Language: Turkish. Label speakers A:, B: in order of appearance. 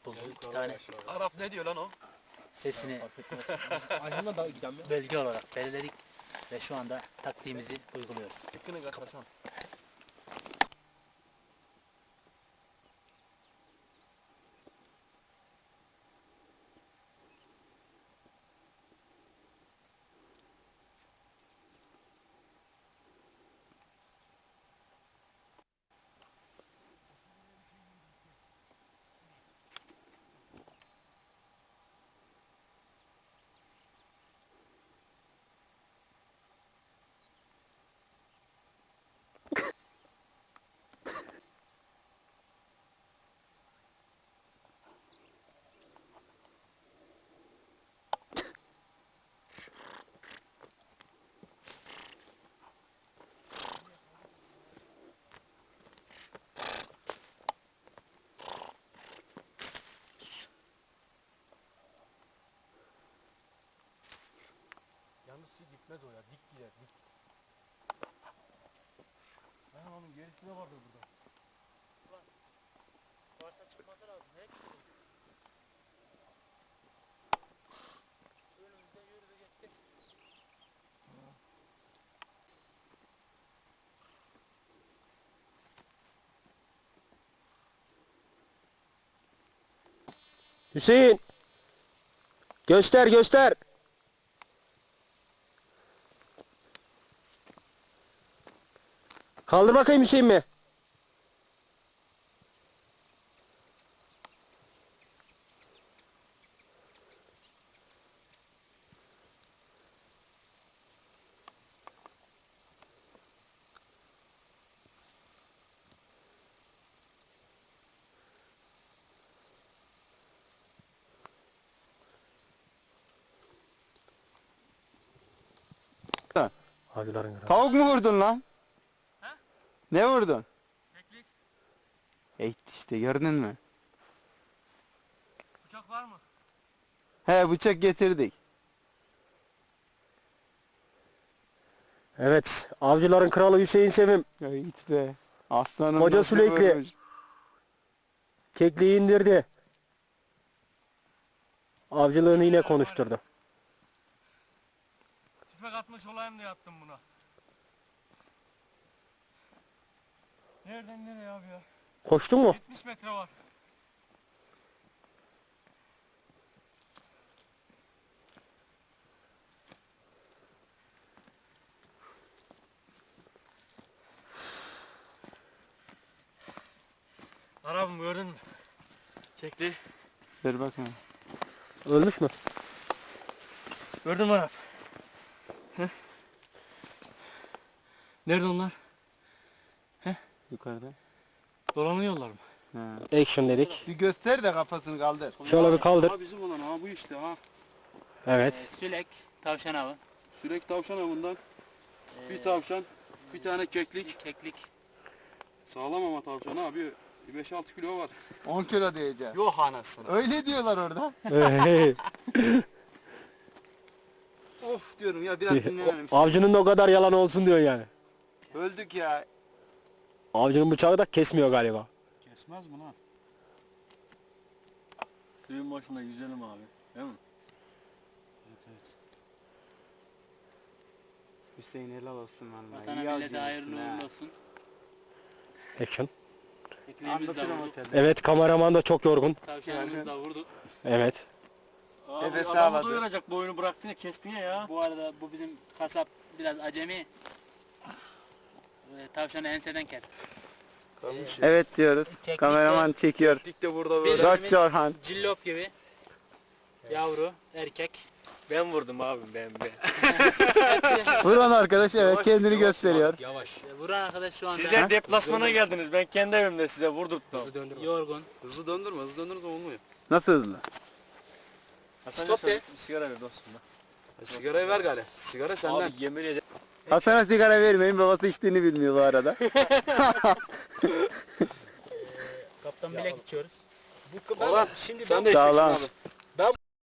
A: bulduk. 2 tane
B: Arap ne diyor lan o?
A: sesini
B: Ayhan'la da giden mi?
A: bölge olarak belirledik ve şu anda taktiğimizi uyguluyoruz.
B: Çıkkını kaçarsan. Yalnız gitmez o ya, dik gider, dik. Ayhan onun gerisine vardır burada.
A: Varsa çıkması lazım. Önümüzden yürüdü gitti.
C: Hüseyin! Göster göster! Kaldır bakayım Hüseyin mi? Avcıların kralı.
D: Tavuk mu vurdun lan?
A: Ha?
D: Ne vurdun?
A: Keklik.
D: İşte gördün mü?
A: Bıçak var mı?
D: He bıçak getirdik.
C: Evet, avcıların kralı Hüseyin Sevim
D: Ya it be. Aslanım
C: Koca
D: nasıl
C: Süleyki.
D: vurmuş?
C: kekliği indirdi. Avcılığını yine konuşturdu.
B: Tüfek atmış olayım diye attım buna. Nereden nereye abi ya?
C: Koştun mu?
B: 70 metre var. Arabım gördün mü? Çekti.
D: Ver bakayım.
C: Ölmüş mü?
B: Gördün mü Arap? Nerede onlar?
D: Yukarıda.
B: Dolanıyorlar mı?
D: He.
C: Action dedik.
D: Bir göster de kafasını kaldır.
C: Şöyle bir kaldır.
B: Ha bizim olan ha bu işte ha.
C: Evet.
A: Sülek, tavşan avı,
B: Sürekli tavşan avından. Bir tavşan, bir tane keklik.
A: keklik.
B: Sağlam ama tavşan abi. 5-6 kilo var.
D: 10 kilo diyeceğim.
B: Yok anasını.
D: Öyle diyorlar orada.
B: Of diyorum ya biraz dinlenelim.
C: Avcının da o kadar yalan olsun diyor yani.
D: Öldük ya.
C: Avcının bıçağı da kesmiyor galiba.
B: Kesmez mi lan? Suyun başında yüzelim abi. Değil mi? Evet.
D: Hüseyin helal olsun vallahi.
A: Vatana
D: İyi
A: millete
D: avcıymışsın
A: hayırlı
D: ha.
A: uğurlu olsun.
C: Action.
A: Kekliğimizi de
D: Anlatırım
A: vurduk.
D: otelde.
C: Evet, kameraman da çok yorgun.
A: Tavşanımızı da vurduk.
C: Evet.
B: Abi
D: Nefes
B: adamı
D: almadı.
B: doyuracak boyunu bıraktın ya kestin ya.
A: Bu arada bu bizim kasap biraz acemi. Tavşanı enseden kes.
D: Evet diyoruz.
A: Çektik
D: Kameraman çekiyor.
B: Dik de burada
A: böyle.
D: Dört Orhan.
A: Cillop gibi. Yavru, erkek.
B: Ben vurdum abim ben.
D: Vuran arkadaş evet kendini gösteriyor.
B: Yavaş.
A: Vuran arkadaş şu anda
B: Sizler deplasmana geldiniz. Ben kendi evimde size vurdurttum.
A: yorgun.
B: Hızlı döndürme. Hızlı döndürürse olmuyor.
D: Nasıl hızlı?
B: Stop de. Bir sigara ver dostum. Sigarayı ver gale. Sigara senden. Abi yemin ederim.
D: Hasan'a sigara vermeyin, babası içtiğini bilmiyor bu arada.
A: Kaptan bilek içiyoruz.
B: Orhan
A: Şimdi
B: sen de
D: Sağ ol
B: içeceksin
D: lan.
B: abi.